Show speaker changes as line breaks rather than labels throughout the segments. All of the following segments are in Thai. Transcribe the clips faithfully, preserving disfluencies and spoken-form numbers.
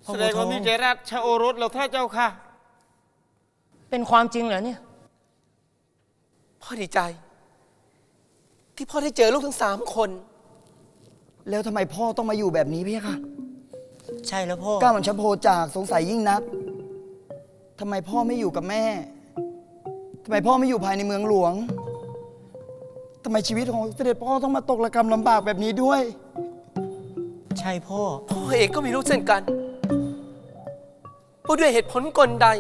แสดงว่ามีใจรักชาโอรสเราท่าเจ้าค่ะ
เป็นความจริงเหรอเนี่ย
พ่อดีใจที่พ่อได้เจอลูกทั้งสามคน
แล้วทำไมพ่อต้องมาอยู่แบบนี้พี่คะ
ใช่แล้วพ่อ
ก้าวมันชัพโพจากสงสัยยิ่งนักทำไมพ่อไม่อยู่กับแม่ทำไมพ่อไม่อยู่ภายในเมืองหลวงทำไมชีวิตของเสด็จพ่อต้องมาตกระกำลำบากแบบนี้ด้วย
ใช่พ่อ
พ่อเองก็ไม่รู้เช่นกันว่าด้วยเหตุผลกลใด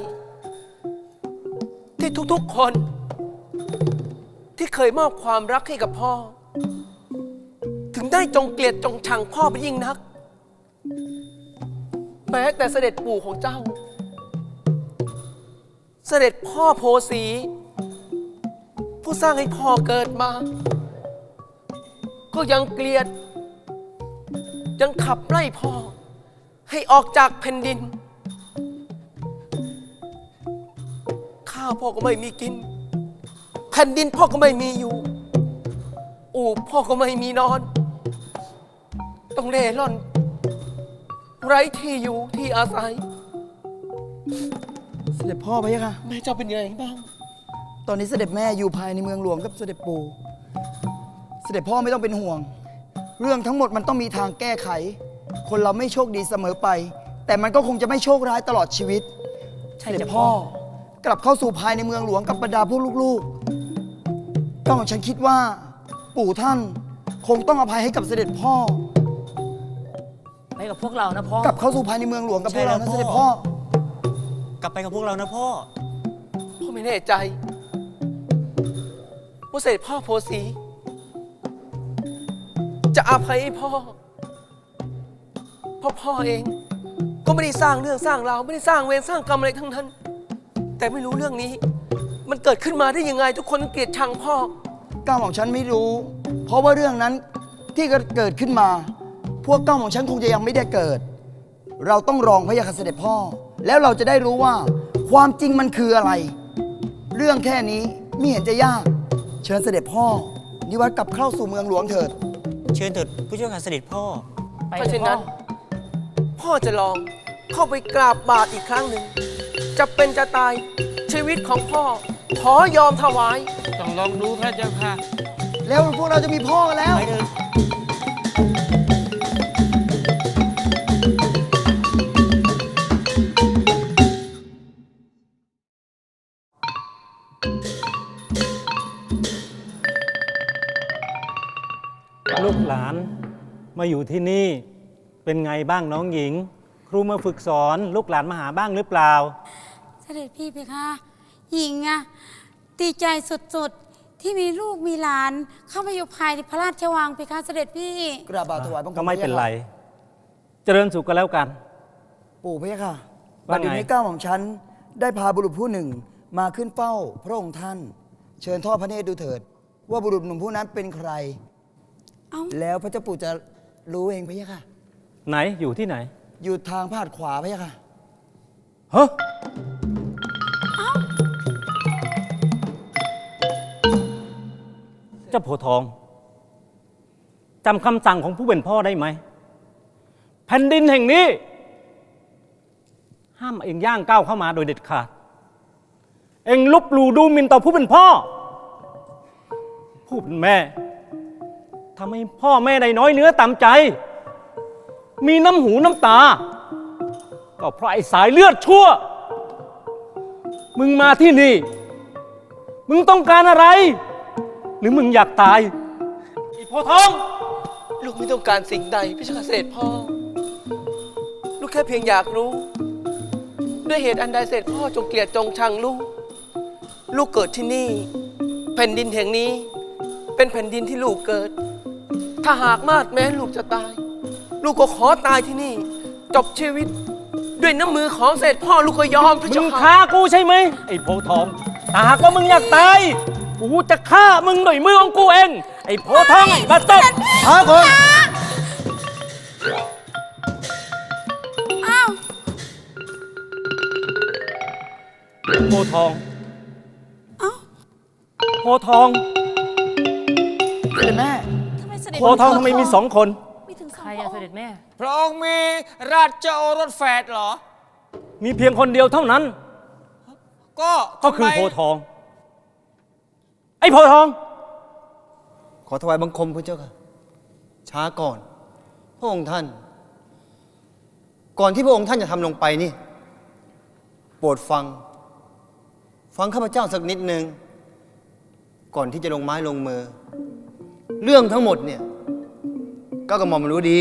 ที่ทุกๆคนที่เคยมอบความรักให้กับพ่อถึงได้จงเกลียดจงชังพ่อเป็นยิ่งนักแม้แต่เสด็จปู่ของเจ้าเสด็จพ่อโพสีผู้สร้างให้พ่อเกิดมาก็ยังเกลียดยังขับไล่พ่อให้ออกจากแผ่นดินข้าวพ่อก็ไม่มีกินแผ่นดินพ่อก็ไม่มีอยู่อู่พ่อก็ไม่มีนอนต้องเร่ร่อนไร้ที่อยู่ที่อาศัย
เสด็จพ่อพะยะค่ะ
แม่เจ้าเป็นยังไงบ้าง
ตอนนี้เสด็จแม่อยู่ภายในเมืองหลวงกับเสด็จปู่เสด็จพ่อไม่ต้องเป็นห่วงเรื่องทั้งหมดมันต้องมีทางแก้ไขคนเราไม่โชคดีเสมอไปแต่มันก็คงจะไม่โชคร้ายตลอดชีวิตเสด็จพ่อกลับเข้าสู่ภายในเมืองหลวงกับบรรดาพวกลูกๆก็ของฉันคิดว่าปู่ท่านคงต้องอภัยให้กับเสด็จพ่อ
ไปกับพวกเรานะพ่อก
ลับเข้าสู่ภายในเมืองหลวงกับพวกเรานะเสด็จพ่
อกลับไปกับพวกเรานะพ่อ
พ่อไม่แน่ใจว่าเสด็จพ่อโพสีจะอภัยให้พ่อเพราะพ่อเองก็ไม่ได้สร้างเรื่องสร้างราวไม่ได้สร้างเวรสร้างกรรมอะไรทั้งนั้นแต่ไม่รู้เรื่องนี้มันเกิดขึ้นมาได้ยังไงทุกคนเกลียดชังพ่อ
ก้าวของฉันไม่รู้เพราะว่าเรื่องนั้นที่เกิดขึ้นมาพวกก้าวของฉันคงจะยังไม่ได้เกิดเราต้องรองพระยาค่ะเสด็จพ่อแล้วเราจะได้รู้ว่าความจริงมันคืออะไรเรื่องแค่นี้ไม่เห็นจะยากเชิญเสด็จพ่อนิวัตกลับเข้าสู่เมืองหลวงเถิด
เชิญเถิดผู้ช่วยการเสด็จพ่อ
เพราะฉะนั้นพ่อจะลองเข้าไปกราบบาทอีกครั้งหนึ่งจะเป็นจะตายชีวิตของพ่อขอยอมถวาย
ต้องลองดูพระเจ้าค่ะ
แล้วพวกเราจะมีพ่อกันแล้ว
ไปเถอะ
ลูกหลานมาอยู่ที่นี่เป็นไงบ้างน้องหญิงครูมาฝึกสอนลูกหลานมาหาบ้างหรือเปล่า
เสด็จพี่เพคะหญิงอะดีใจสุดๆที่มีลูกมีหลานเข้ามาอยู่ภายในพระราชวังเพคะเสด็จพี่
กราบบาทถวายบังคม
ก็ไม่เป็นไรเจริญสุขกันแล้วกัน
ปู่พะยะค่ะบัดนี้ก้าวของฉันได้พาบุรุษผู้หนึ่งมาขึ้นเฝ้าพระองค์ท่านเชิญทอดพระเนตรดูเถิดว่าบุรุษหนุ่มผู้นั้นเป็นใครแล้วพระเจ้าปู่จะรู้เองพะยะค่ะ
ไหนอยู่ที่ไหน
อยู่ทางพาดขวาพะยะค่ะ
ฮะเจ้าโพทองจำคำสั่งของผู้เป็นพ่อได้ไหมแผ่นดินแห่งนี้ห้ามเองย่างก้าวเข้ามาโดยเด็ดขาดเองลบหลู่ดูหมิ่นต่อผู้เป็นพ่อผู้เป็นแม่ทำให้พ่อแม่ได้น้อยเนื้อต่ำใจมีน้ำหูน้ำตาก็เพราะไอ้สายเลือดชั่วมึงมาที่นี่มึงต้องการอะไรหรือมึงอยากตายไอ้โพทอง
ลูกไม่ต้องการสิ่งใดพี่ชายเสด็จพ่อลูกแค่เพียงอยากรู้ด้วยเหตุอันใดเสด็จพ่อจงเกลียดจงชังลูกลูกเกิดที่นี่แผ่นดินแห่งนี้เป็นแผ่นดินที่ลูกเกิดถ้าหากมาดแม้ลูกจะตายลูกก็ขอตายที่นี่จบชีวิตด้วยน้ำมือของเสด็จพ่อลูกก็ยอมพระเจ้าค่ะ
มึงฆ่ากูใช่ไหมไอ้โพทองถ้าหากว่ามึงอยากตายกูจะฆ่ามึงด้วยมือของกูเองไอ้โพทองบัดซบ
หาคน
อ้าว
โพทอง โพทอง
เสด็จแม่
โพทองทำไมมีสองคน
มีถึงสอง
ใครอะเสด็จด็จแม่
พระองค์มีราชโอรสแฝดเหรอ
มีเพียงคนเดียวเท่านั้น
ก็
ก็คือ
ทำไม
โพธิ์ทอง ไอ้โพธิ์ทอง
ขอถวายบังคมพระเจ้าค่ะ ช้าก่อน พระองค์ท่าน ก่อนที่พระองค์ท่านจะทำลงไปนี่ โปรดฟัง ฟังข้าพเจ้าสักนิดนึง ก่อนที่จะลงไม้ลงมือ เรื่องทั้งหมดเนี่ยก็กระหม่อมรู้ดี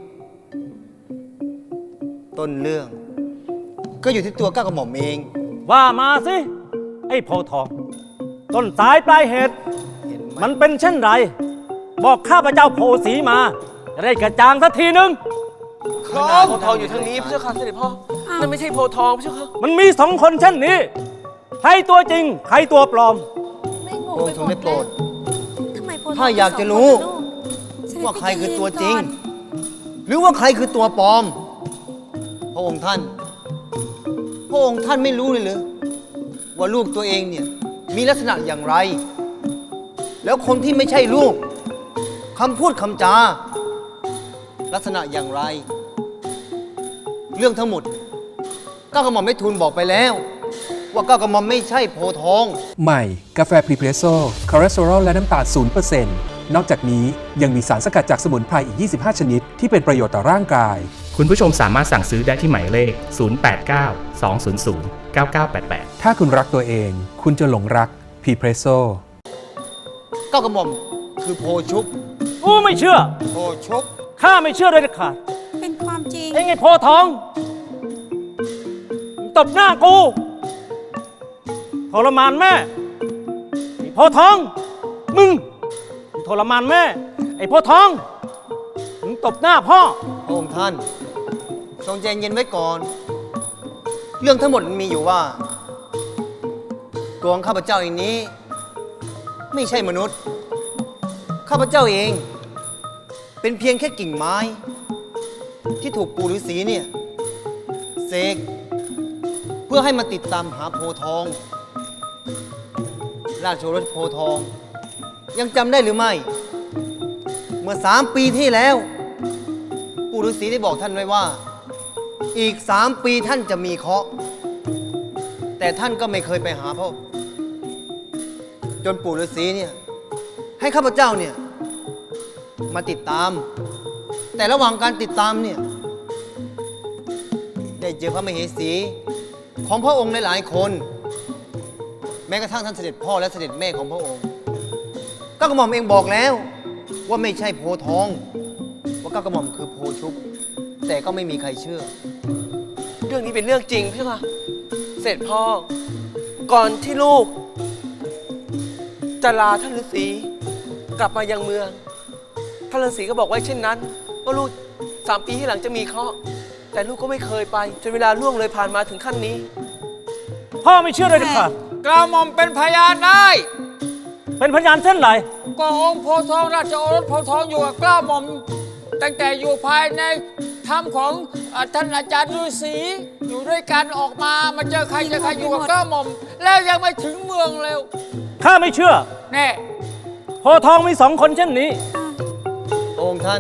ต้นเรื่อง ก็อยู่ที่ตัวก้าวกระหม่อมเอง
ว่ามาสิ ไอ้โพธิ์ทอง ต้นสายปลายเหตุ
เห็นไหม
มันเป็นเช่นไร บอกข้าพเจ้าโพสีมาจะได้กระจ่างสักทีหนึ่ง
พระองค์โพธิ์ทองอยู่ทางนี้พระเจ้าค่ะเสด็จพ่อ นั่นไม่ใช่โพธิ์ทองพระเจ้าค่ะ
มันมีสองคนเช่นนี้ ใครตัวจริง ใครตัวปลอม
ไม่ง
พ
ง
ระอง
ไป
ค์ท
ห
ร
ม
ง
ด
ได้โปรด
ทำไมโพธิ์ทอง
ถ้าอยากจะ
มีสง
รู้
คน
ว่าใครคือ
เสด็จ
ตัว
พี่
จริง
ใจเย็นก่อน
หรือว่าใครคือตัวปลอม พระองค์ท่าน พระองค์ท่านไม่รู้เลยหรือว่าลูกตัวเองเนี่ยมีลักษณะอย่างไร แล้วคนที่ไม่ใช่ลูกคำพูดคำจา ลักษณะอย่างไร เรื่องทั้งหมดก้าวกระหม่อมไม่ทูลบอกไปแล้ว ว่าก้าวกระหม่อมไม่ใช่โพธิ์ทอง
ใหม่ กาแฟพรีเพรสโซ่คอเลสเตอรอลและน้ำตาล ศูนย์เปอร์เซ็นต์ นอกจากนี้ยังมีสารสกัดจากสมุนไพรอีก ยี่สิบห้า ชนิด ที่เป็นประโยชน์ต่อร่างกาย
คุณผู้ชมสามารถสั่งซื้อได้ที่หมายเลข ศูนย์ แปด เก้า สอง ศูนย์ ศูนย์ เก้า เก้า แปด แปด
ถ้าคุณรักตัวเอง คุณจะหลงรักพรีเพรสโซ่
ก้าวกระหม่อมคือโพชุบ
กูไม่เชื่อ
โพชุบ
ข้าไม่เชื่อเลยเด็ดขาด
เป็นความจริง
เองไอ้โพธิ์ทองมึงตบหน้ากูทรมานแม่ ไอ้โพธิ์ทอง มึงมึงทรมานแม่ ไอ้โพธิ์ทอง มึงตบหน้าพ่อ
พระองค์ท่านทรงใจเย็นไว้ก่อน เรื่องทั้งหมดมันมีอยู่ว่า ตัวของข้าพเจ้าเองนี้ ไม่ใช่มนุษย์ ข้าพเจ้าเอง เป็นเพียงแค่กิ่งไม้ ที่ถูกปู่ฤาษีเนี่ยเสกเพื่อให้มาติดตามหาโพธิ์ทอง ราชโอรสโพธิ์ทอง ยังจำได้หรือไม่ เมื่อสามปีที่แล้ว ปู่ฤาษีได้บอกท่านไว้ว่า อีกสามปีท่านจะมีเคราะห์แต่ท่านก็ไม่เคยไปหาพ่อจนปู่ฤาษีเนี่ยให้ข้าพเจ้าเนี่ยมาติดตาม แต่ระหว่างการติดตามเนี่ยได้เจอพระมเหสีของพระองค์หลายๆคน แม้กระทั่งท่านเสด็จพ่อและเสด็จแม่ของพระองค์ก็กระหม่อมเองบอกแล้วว่าไม่ใช่โพธิ์ทอง ว่าก้าวกระหม่อมคือโพชุบ แต่ก็ไม่มีใครเชื่อ
เรื่องนี้เป็นเรื่องจริงพี่ค่ะ เสร็จพ่อ ก่อนที่ลูก จะลาท่านฤาษีกลับมายังเมือง ท่านฤาษีก็บอกไว้เช่นนั้นว่าลูกสามปีที่หลังจะมีเคราะห์แต่ลูกก็ไม่เคยไปจนเวลาล่วงเลยผ่านมาถึงขั้นนี้
พ่อไม่เชื่อเลยเด็ดขาด
กล้าหม่อมเป็นพยานได้
เป็นพยานเช่นไร
ก็องค์โพธิ์ทองราชโอรสโพธิ์ทองอยู่กับกล้าหม่อม ตั้งแต่อยู่ภายในถ้ำของเอ่อท่านอาจารย์ฤาษีอยู่ด้วยกันออกมามาเจอใครเจอใครอยู่กับกล้าหม่อม แล้วยังไม่ถึงเมืองเร็ว
ข้าไม่เชื่อ
แน่
โพธิ์ทองมีสองคนเช่นนี้
องค์ท่าน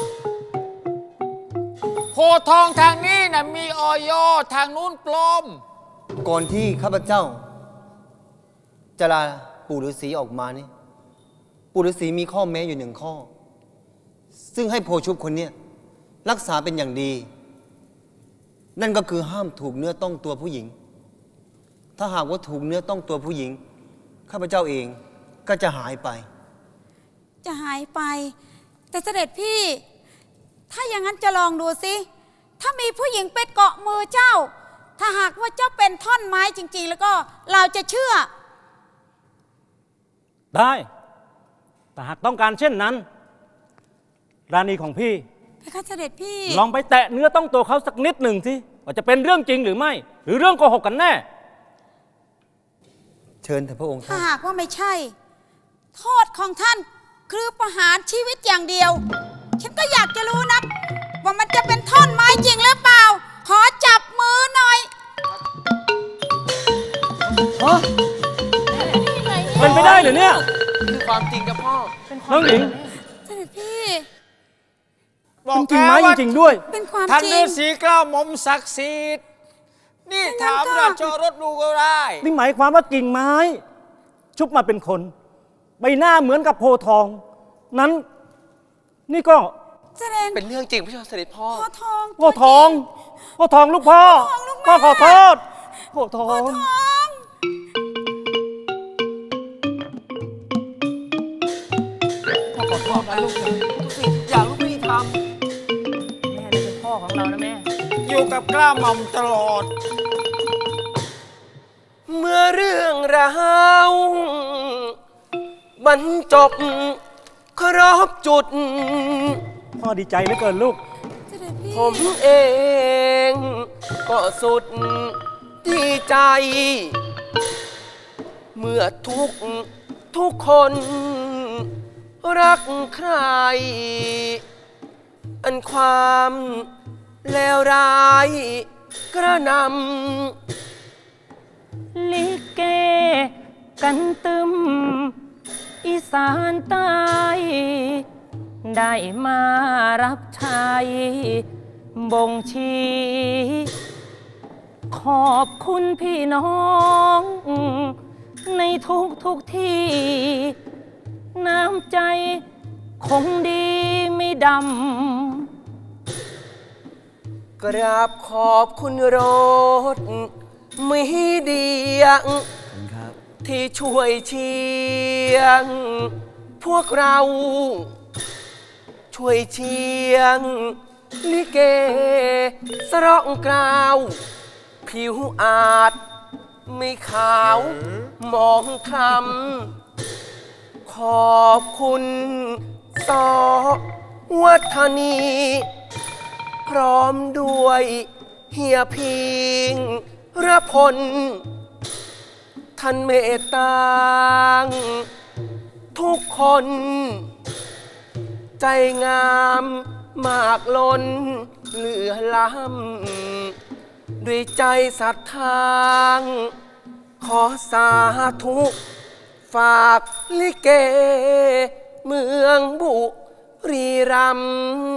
โพธิ์ทองทางนี้นะมีออยทางนู้นปลอม
ก่อนที่ข้าพเจ้า จะลาปู่ฤาษีออกมานี่ ปู่ฤาษีมีข้อแม้อยู่หนึ่งข้อ ซึ่งให้โพชุบคนเนี้ยรักษาเป็นอย่างดี นั่นก็คือห้ามถูกเนื้อต้องตัวผู้หญิง ถ้าหากว่าถูกเนื้อต้องตัวผู้หญิง ข้าพเจ้าเองก็จะหายไป
จะหายไป แต่เสด็จพี่ ถ้าอย่างนั้นจะลองดูสิ ถ้ามีผู้หญิงไปเกาะมือเจ้า ถ้าหากว่าเจ้าเป็นท่อนไม้จริง ๆ แล้วก็เราจะเชื่อ
ได้ แต่หากต้องการเช่นนั้น ราณีของพี่
ไปค่ะเสด็จพี่
ลองไปแตะเนื้อต้องตัวเขาสักนิดหนึ่งสิว่าจะเป็นเรื่องจริงหรือไม่ หรือเรื่องโกหกกันแน่
เชิญเถอะพระองค์
ถ้า
ท่าน
หากว่าไม่ใช่ โทษของท่านคือประหารชีวิตอย่างเดียว ฉันก็อยากจะรู้นัก ว่ามันจะเป็นท่อนไม้จริงหรือเปล่า ขอจับมือหน่อย
เป็นไปได้เหรือเนี่ย
คือความจริงกับพ่อ
น้องหญิง
เสด็จพี่
บอก
จริง
แก
ไหมรื่องจริงด้วย
เป็นความ
ท่าน
จริ
ฤาง ษีเกล้าหม่อมศักดิ์สิทธิ์นี่
ไม่งั้น
ถาม
ก็
ราชโอรสดูก็ได้
นี่หมายความว่ากิ่งไม้ ชุบมาเป็นคน ใบหน้าเหมือนกับโพธิ์ทอง นั้น นี่ก็
แสดง
เป็นเรื่องจริงพี่ชายเสด็จพ่อ
พ่อทอง
โพธิ์ทองโพธิ์ทองลูกพ่อ
ทองลูกแม่
พ่อขอโทษโพธิ์ทอง
ทอง
ขอโทษนะลูกนะทุกสิ่งทุกอย่างลูกไม่ได้ท
แม่นี่เป็นพ่อของเรานะแม่
อยู่กับเกล้าหม่อมตลอด
ำเมื่อเรื่องราวบรรจบครบจุด
พ่อดีใจเหลือเกินลูก
เสด็จพี่
ผมเองก็สุดดีใจ เมื่อทุกทุกคนรักใคร อันความเลวร้ายกระนำ
ลิเกกันตึม อีสานใต้ได้มารับใช้บ่งชี้ขอบคุณพี่น้อง ในทุกทุกที่ น้ำใจคงดีไม่ดำ
กราบขอบคุณรถมีเดียงที่ช่วยเชียง พวกเราช่วยเชียง ลิเกสร้องกล่าว ผิวอาจไม่ขาวมองคล้ำขอบคุณสอวัฒนี พร้อมด้วยเฮียพิงระพล ท่านเมตตาทุกคน ใจงามมากล้นเหลือล้ำด้วยใจศรัทธาขอสาธุฝากลิเกเมืองบุรีรัมย์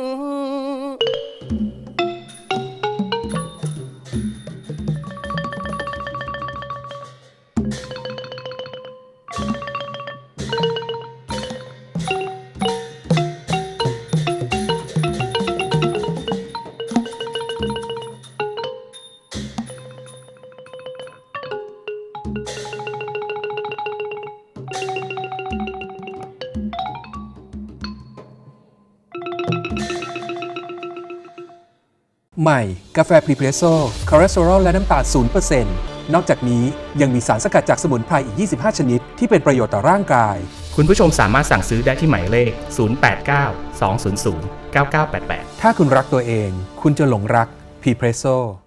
ใหม่ กาแฟพรีเพรสโซ่คอเลสเตอรอลและน้ำตาล ศูนย์เปอร์เซ็นต์ นอกจากนี้ยังมีสารสกัดจากสมุนไพรอีก ยี่สิบห้า ชนิด ที่เป็นประโยชน์ต่อร่างกาย
คุณผู้ชมสามารถสั่งซื้อได้ที่หมายเลข ศูนย์ แปด เก้า สอง ศูนย์ ศูนย์ เก้า เก้า แปด แปด
ถ้าคุณรักตัวเอง คุณจะหลงรักพรีเพรสโซ่